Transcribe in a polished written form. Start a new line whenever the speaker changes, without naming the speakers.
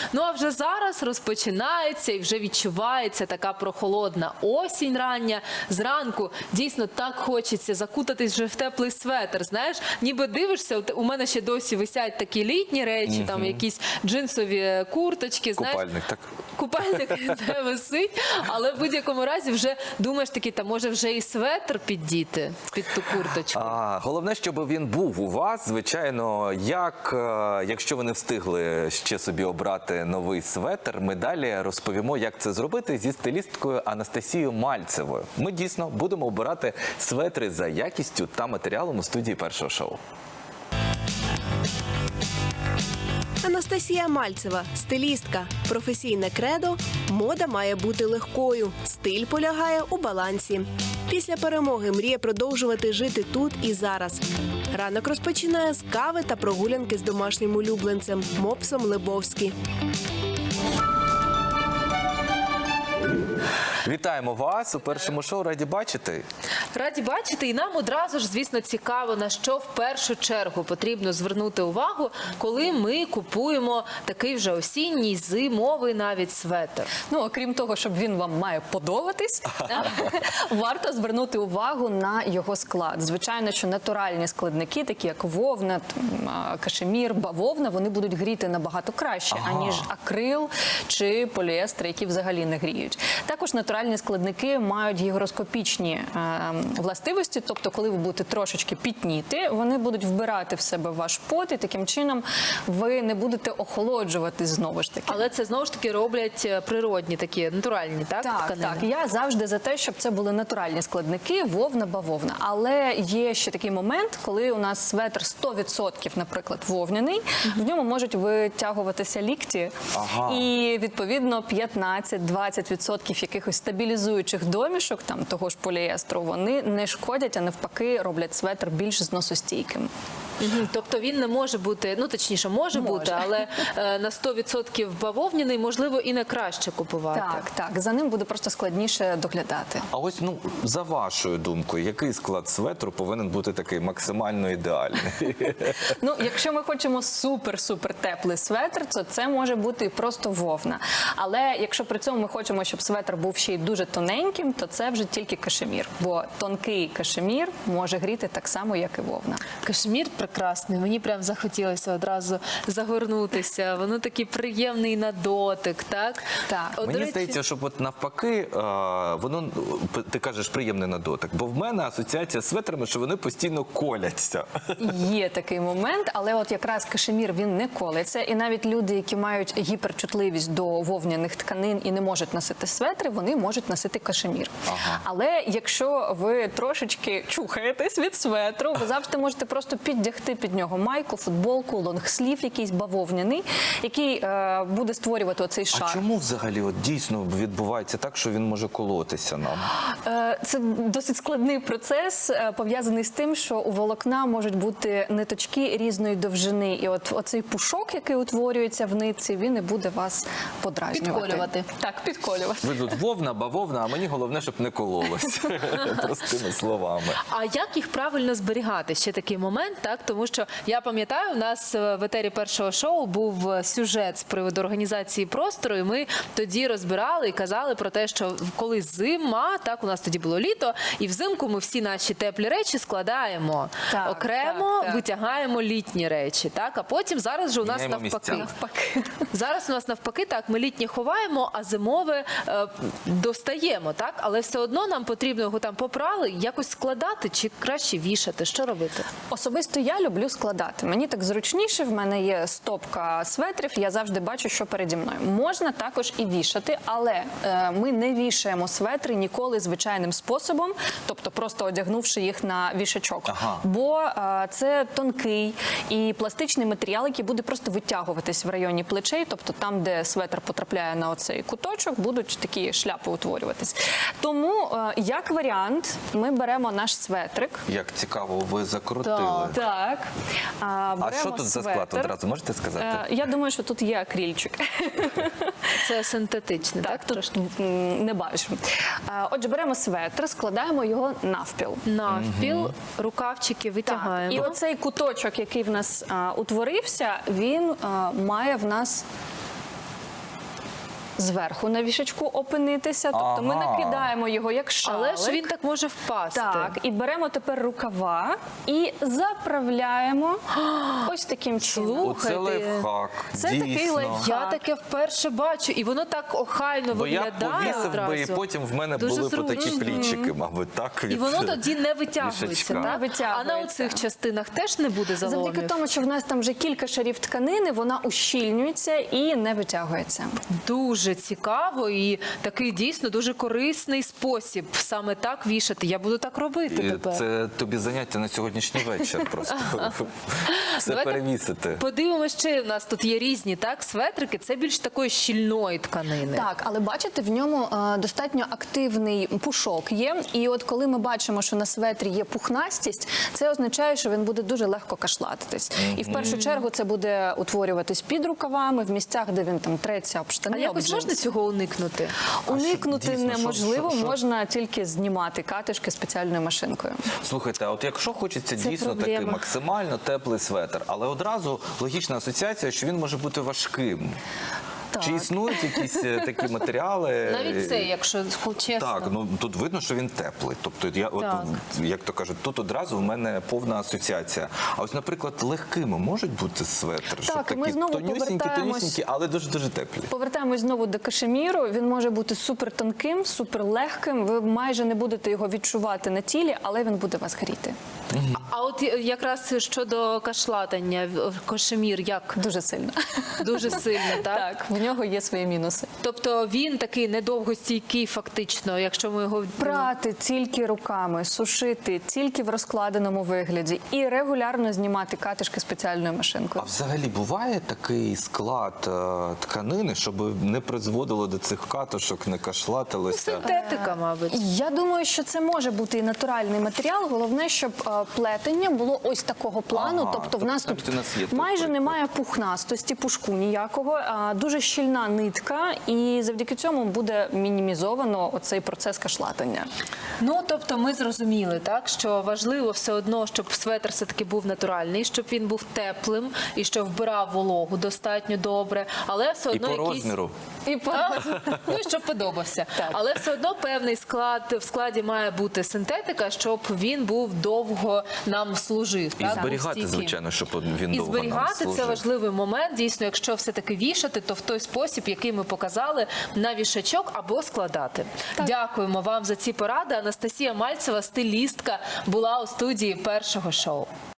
Ну а вже зараз розпочинається і вже відчувається така прохолодна осінь рання. Зранку дійсно так хочеться закутатись вже в теплий светр, знаєш, ніби дивишся, у мене ще досі висять такі літні речі, там якісь джинсові курточки, знаєш.
Купальник, так?
Купальник не висить, але в будь-якому разі вже думаєш такий, та може вже і светр піддіти під ту курточку.
Головне, щоб він був у вас, звичайно, якщо ви не встигли ще собі обрати новий светр, ми далі розповімо, як це зробити зі стилісткою Анастасією Мальцевою. Ми дійсно будемо обирати светри за якістю та матеріалом у студії першого шоу.
Анастасія Мальцева – стилістка. Професійне кредо – мода має бути легкою. Стиль полягає у балансі. Після перемоги мріє продовжувати жити тут і зараз. Ранок розпочинає з кави та прогулянки з домашнім улюбленцем – мопсом Лебовські.
Вітаємо вас у першому шоу. Раді бачити.
Раді бачити, і нам одразу ж, звісно, цікаво, на що в першу чергу потрібно звернути увагу, коли ми купуємо такий вже осінній, зимовий навіть светр.
Ну, окрім того, щоб він вам має подобатись, варто звернути увагу на його склад. Звичайно, що натуральні складники, такі як вовна, кашемір, бавовна, вони будуть гріти набагато краще, аніж акрил чи поліестер, які взагалі не гріють. Також натуральні складники мають гігроскопічні властивості, тобто коли ви будете трошечки пітніти, вони будуть вбирати в себе ваш пот, і таким чином ви не будете охолоджувати знову ж таки.
Але це знову ж таки роблять природні такі, натуральні, так?
Так,
тканини?
так. Я завжди за те, щоб це були натуральні складники, вовна, бавовна. Але є ще такий момент, коли у нас светр 100%, наприклад, вовняний, в ньому можуть витягуватися лікті, і, відповідно, 15-20% якихось стабілізуючих домішок, там, того ж поліестру, вони не шкодять, а навпаки роблять светр більш зносостійким.
Тобто він не може бути, ну точніше, може бути, але на 100% бавовняний, можливо, і не краще купувати.
Так, так, за ним буде просто складніше доглядати.
А ось, за вашою думкою, який склад светру повинен бути такий максимально ідеальний?
Ну, якщо ми хочемо супер-супер теплий светр, то це може бути і просто вовна. Але якщо при цьому ми хочемо, щоб светр був ще й дуже тоненьким, то це вже тільки кашемір. Бо тонкий кашемір може гріти так само, як і вовна.
Кашемір прекрасний, мені прям захотілося одразу загорнутися. Воно такий приємний на дотик, так?
Так.
От,
Мені здається, що от навпаки, воно, ти кажеш, приємний на дотик, бо в мене асоціація з светрами, що вони постійно коляться.
Є такий момент, але от якраз кашемір, він не колеться. І навіть люди, які мають гіперчутливість до вовняних тканин і не можуть носити светри, вони можуть носити кашемір. Але якщо ви трошечки чухаєтесь від светру, ви завжди можете просто піддягти під нього майку, футболку, лонгслів якийсь бавовняний, який буде створювати оцей шар.
А чому взагалі от дійсно відбувається так, що він може колотися нам?
Це досить складний процес, пов'язаний з тим, що у волокна можуть бути ниточки різної довжини. І от оцей пушок, який утворюється в нитці, він і буде вас подразнювати.
Підколювати.
Так, підколювати.
Ви тут вовна, бавовна, а мені головне, щоб не кололось. Простими словами.
А як їх правильно зберігати? Ще такий момент, так? Тому що я пам'ятаю, у нас в етері першого шоу був сюжет з приводу організації простору, і ми тоді розбирали і казали про те, що коли зима, так, у нас тоді було літо, і взимку ми всі наші теплі речі складаємо
Так,
окремо,
так.
витягаємо літні речі, так? А потім зараз же у нас
Міняємо
навпаки.
місця.
Зараз у нас навпаки, так, ми літнє ховаємо, а зимове достаємо, так? Але все одно нам потрібно його там попрали, якось складати чи краще вішати? Що робити?
Особисто я люблю складати. Мені так зручніше, в мене є стопка светрів, я завжди бачу, що переді мною. Можна також і вішати, але ми не вішаємо светри ніколи звичайним способом, тобто просто одягнувши їх на вішачок. Бо це тонкий і пластичний матеріал, який буде просто витягуватись в районі плечей, тобто там, де светр потрапляє на оцей куточок, будуть такі шляпи утворюватись. Тому, як варіант, ми беремо наш светрик.
Як цікаво, ви закрутили.
Так.
А що тут за склад одразу, можете сказати?
Я думаю, що тут є акрильчик.
Це синтетичне, так?
Тут не бачу. Отже, беремо светр, складаємо його навпіл.
Навпіл, рукавчики витягаємо.
І оцей куточок, 1 куточок, який в нас утворився, він має в нас зверху на вішачку опинитися. Тобто ми
Ага.
накидаємо його як шалик.
Але ж він так може впасти.
Так, і беремо тепер рукава і заправляємо ось таким чином.
Оце лайфхак.
Це такий
дійсно.
лайфхак.
Я таке вперше бачу, і воно так охайно
Бо я
виглядає
повісив би, і
одразу.
потім в мене
Дуже
були б такі
зручно.
плічики, мабуть, так?
І воно тоді не витягується,
вішачка.
так?
Не
А
витягується.
на оцих частинах теж не буде заломів?
Завдяки тому, що в нас там вже кілька шарів тканини, вона ущільнюється і не витягується.
Дуже цікаво і такий дійсно дуже корисний спосіб саме так вішати. Я буду так робити
І
тепер.
це тобі заняття на сьогоднішній вечір просто. Все
Давайте
перевісити.
Подивимося, ще в нас тут є різні светрики. Це більш такої щільної тканини.
Так, але бачите, в ньому достатньо активний пушок є. І от коли ми бачимо, що на светрі є пухнастість, це означає, що він буде дуже легко кашлатитись. І в першу чергу це буде утворюватись під рукавами, в місцях, де він там треться об
А
штани. об
якось
джинси.
можна цього уникнути?
Уникнути
дійсно,
неможливо,
що?
можна тільки знімати катишки спеціальною машинкою.
Слухайте, а от якщо хочеться дійсно
проблема.
такий максимально теплий светр, але одразу логічна асоціація, що він може бути важким.
Так.
Чи існують якісь такі матеріали?
Навіть це, якщо чесно.
Так, ну тут видно, що він теплий. Тобто, я от
Так.
як то кажуть, тут одразу в мене повна асоціація. А ось, наприклад, легкими можуть бути светр, щоб
Так, і ми
такі
знову
тонюсінькі,
повертаємось-
але дуже теплі.
Повертаємось знову до кашеміру. Він може бути супер тонким, супер легким. Ви майже не будете його відчувати на тілі, але він буде вас гріти.
А от якраз щодо кашлатання, кашемір як
Дуже сильно.
дуже сильно, так?
Так, в нього є свої мінуси.
Тобто він такий недовгостійкий фактично, якщо ми його...
Прати тільки руками, сушити тільки в розкладеному вигляді і регулярно знімати катишки спеціальною
А
машинкою.
взагалі буває такий склад тканини, щоб не призводило до цих катушок, не кашлатилося?
Синтетика, мабуть.
Я думаю, що це може бути і натуральний матеріал. Головне, щоб плетення було ось такого плану.
Ага,
тобто в нас
тобто
тут
навіть у нас є той
майже
приклад.
немає пухнастості, пушку ніякого. Дуже щільна нитка, і завдяки цьому буде мінімізовано оцей процес кашлатання.
Ну, тобто ми зрозуміли, так, що важливо все одно, щоб светр все-таки був натуральний, щоб він був теплим і щоб вбирав вологу достатньо добре, але все
І
одно
по
якийсь...
розміру.
І
Ну, і щоб подобався.
Так.
Але все одно певний склад, в складі має бути синтетика, щоб він був довго нам служив.
І
так, був
зберігати,
стійким.
звичайно, щоб він
І
довго нам
зберігати це
служив.
важливий момент. Дійсно, якщо все-таки вішати, то в той спосіб, який ми показали, на вішачок або складати. Дякуємо вам за ці поради. Анастасія Мальцева, стилістка, була у студії першого шоу.